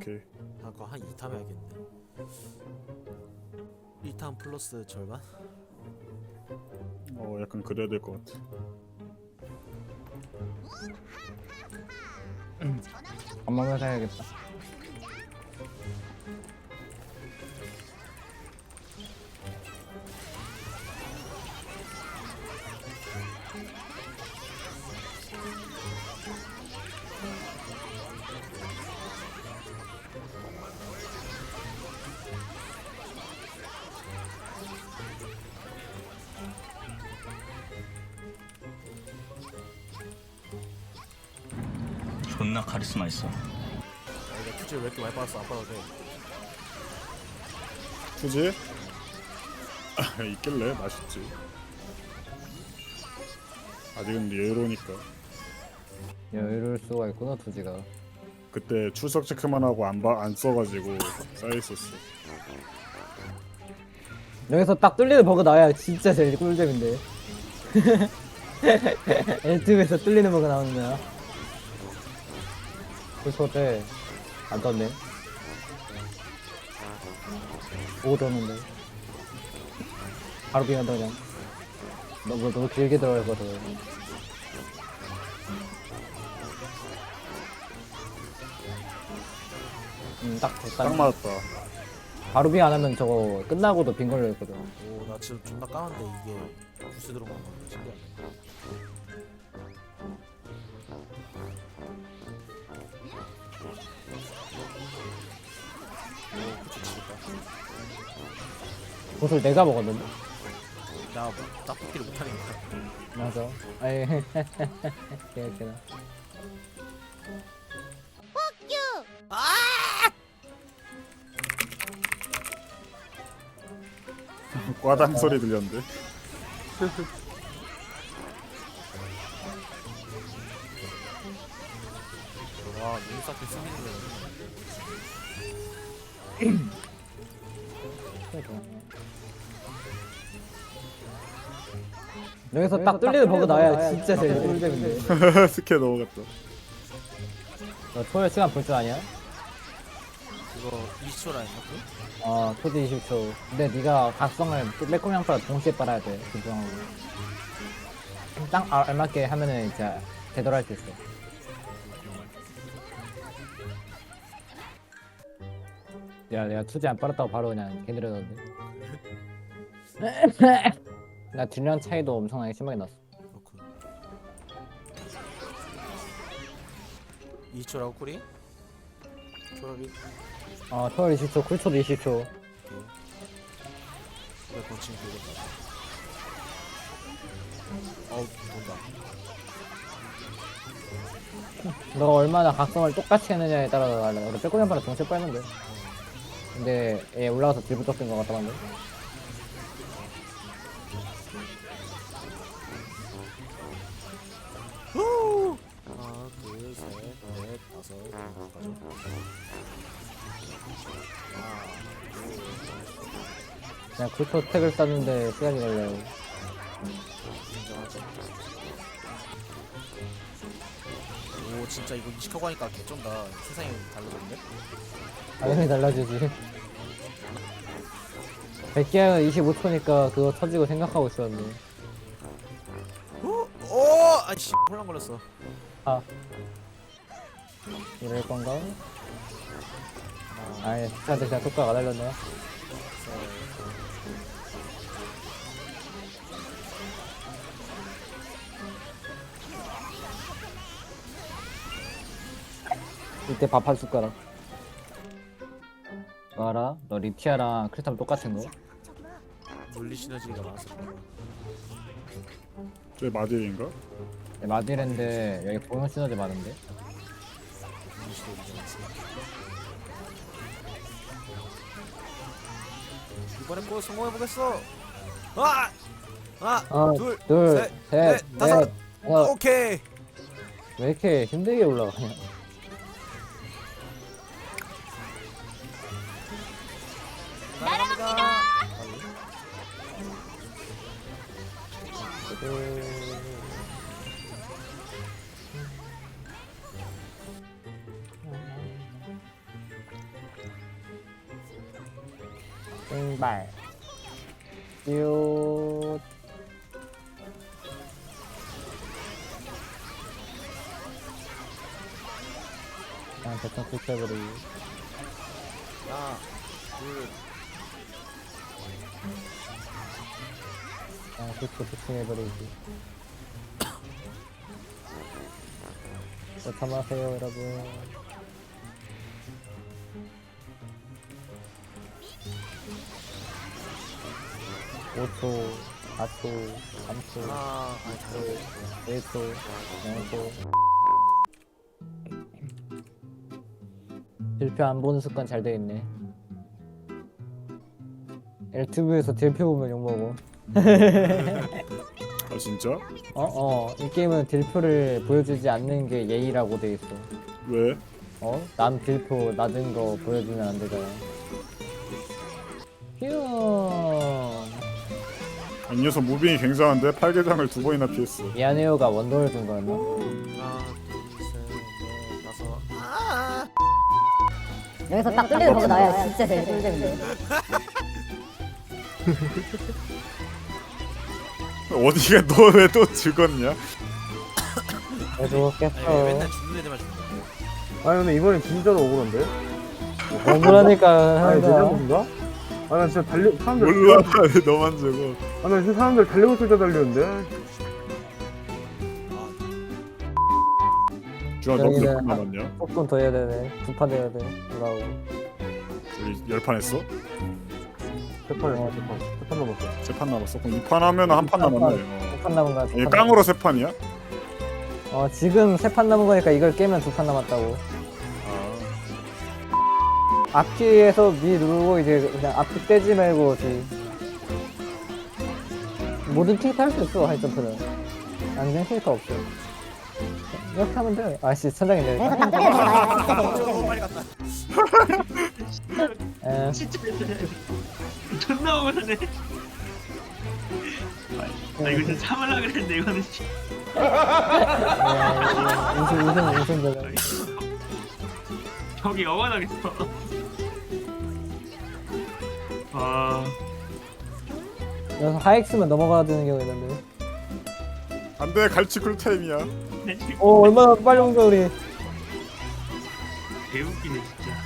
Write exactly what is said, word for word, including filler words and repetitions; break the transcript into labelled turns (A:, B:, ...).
A: 오케이.
B: 아 그거 한 이 탐 해야겠네. 일 탐 플러스 절반?
A: 어 약간 그래야 될 것 같아.
C: 밥 먹으면서 해야겠다.
D: 존나 카리스마 있어.
B: 아 이거 투지 왜 이렇게 많이 받았어? 안 받아도 돼.
A: 투지? 아, 있길래 맛있지. 아직은 예로니까.
C: 여유로울 수가 있구나 투지가.
A: 그때 출석 체크만 하고 안, 봐, 안 써가지고 쌓여있었어.
C: 여기서 딱 뚫리는 버그 나와야 진짜 제일 꿀잼인데. 유튜브에서 뚫리는 버그 나오는 거야. 그래서 때 안 떴네. 보고 떴는데 바로 비간다 그냥. 너무 너무 길게 들어가거든. 음딱 됐다.
A: 딱 맞았다.
C: 바로 비 안 하면 저거 끝나고도 빈 걸려 있거든.
B: 오 나 지금 존나 까는데 이게 부스 들어간 거 신기하네. 오 그치 지겠다.
C: 옷을 내가 먹었는데.
B: 나 떡볶이를 못하니까.
C: 맞아. 아이 개웃기다.
A: 꽈당 소리 들렸는데.
B: 와 눈 쌓게 쓰는
C: 여기서 딱 뚫리는 버그 나와야 진짜 제일 꿀잼인데.
A: 스케 넘어갔다.
C: 너 초열 시간 볼 줄 아냐?
B: 그거 이십 초 라인 같은?
C: 어, 초디 이십 초. 근데 네가 각성을 매콤양파랑 동시에 빨아야 돼. 김정하고. 딱 알- 알맞게 하면은 이제 제대로 할 수 있어. 야, 내가 투지 안 빨았다고 바로 그냥 개들어졌는데. 나 딜량 차이도 엄청나게 심하게 났어.
B: 그렇군. 이십 초라고 쿨이? 초라비?
C: 어, 초월 이십 초, 쿨초도 이십 초.
B: 오케이. 왜 건칭이 되겠다. 어우 돈다.
C: 너가 얼마나 각성을 똑같이 했느냐에 따라서 달라. 우리 빼꼼양파랑 동시에 빨면 돼. 근데 얘 올라가서 딜부터 쓴 것 같다던데.
B: 하나, 둘, 셋, 넷, 다섯, 여섯,
C: 그냥 쿨초 택을 쌌는데 시간이 걸려요.
B: 인정하지. 오 진짜 이거 이식하고 하니까 개쩐다. 세상이 달라졌는데?
C: 당연히 달라지지. 백기양은 이십오 초니까 그거 터지고 생각하고 있었네.
B: 오! 오! 아이씨 혼란 걸렸어.
C: 아. 이럴 건가?
B: 하나,
C: 아니, 저한테 그냥 속도가 달렸네. 이때 밥 한 숟가락. 뭐 알아? 너 리티아랑 크리스탈 똑같은 거?
B: 물리 시너지가 많았어.
A: 저 마딜인가?
C: 네, 마디랜드 여기 보는 시너지 많은데?
B: 물리 시너지 많았어. 이번엔 꼭 성공해보겠어. 아! 하나,
C: 하나,
B: 둘,
C: 둘,
B: 셋,
C: 셋,
B: 넷, 다섯.
C: 넷, 다섯.
B: 오케이.
C: 왜 이렇게 힘들게 올라가냐?
B: 날아갑니다.
C: 신발 유 그냥 대충 붙여버리기
B: 하나 둘
C: 그냥 붙여 붙여해버리기 뭐 참아세요 여러분 오 초 사 초 삼 초
B: 하나 아니 잠깐
C: 일 초 영 초 딜표 안 보는 습관 잘 돼있네 엘투브에서 딜표 보면 욕먹어
A: 아 진짜?
C: 어어 이 게임은 딜표를 보여주지 않는 게 예의라고 돼있어
A: 왜?
C: 어? 남 딜표 낮은 거 보여주면 안 되잖아 휴
A: 이 녀석 무빙이 굉장한데 팔계장을 두 번이나 피했어.
C: 미안해요가 원더를 준 거였나?
B: 하나 둘셋넷 다섯 아
D: 여기서 딱 뚫리는 버그 나야 진짜 제일 꿀잼인데.
A: 어디가 너 왜 또 죽었냐?
C: 그래도
B: 아니 왜
C: 깼어
B: 맨날 죽는 애들만 죽는 거야
E: 아니 근데 이번엔 진짜로 억울한데?
C: 억울하니까
E: 아니
C: 하는
E: 내
C: 거야
E: 잘못인가? 아나 진짜 달리 사람들
A: 몰라. 왜 너만 죽어?
E: 아나 진짜 사람들 달리고 있을 때 달리는데
A: 주아 너몇
C: 여기는
A: 판 남았냐?
C: 조금 더 해야 되네 두 판 해야 돼 돌아오고
A: 우리 열 판 했어?
E: 세판 했어 세판 세판 넘었어
A: 세 판 남았어. 그럼 이 판 하면 한 판 남았네. 어.
C: 두 판 남은 거야 두
A: 얘
C: 판
A: 깡으로 세 판이야?
C: 남은- 어 지금 세 판 남은 거니까 이걸 깨면 두 판 남았다고
A: 아,
C: 앞뒤에서 미 누르고 이제 그냥 앞뒤 떼지 말고 뒤 모든 캐릭터 할 수 있어 하이점프는 안된 캐릭터 없어 이렇게 하면 돼 아씨 천장이네
D: 여기서 딱 뚫리는 버그 나야 진짜 제일 꿀잼인데.
B: 너무 빨리 갔다
C: 에
F: 진짜 존나 억울하네. 나 이거 진짜 참으려고 그랬는데 이거는 씨.
C: 우승 우승 우승 되잖아
F: 저기 영원하겠어. 아,
C: 여기서 하이엑스만 넘어가야 되는 경우 있는데
A: 안돼. 갈치 쿨타임이야.
F: 내 지금
C: 오 얼마나 빨리 온 거야 우리
F: 개웃기네 진짜.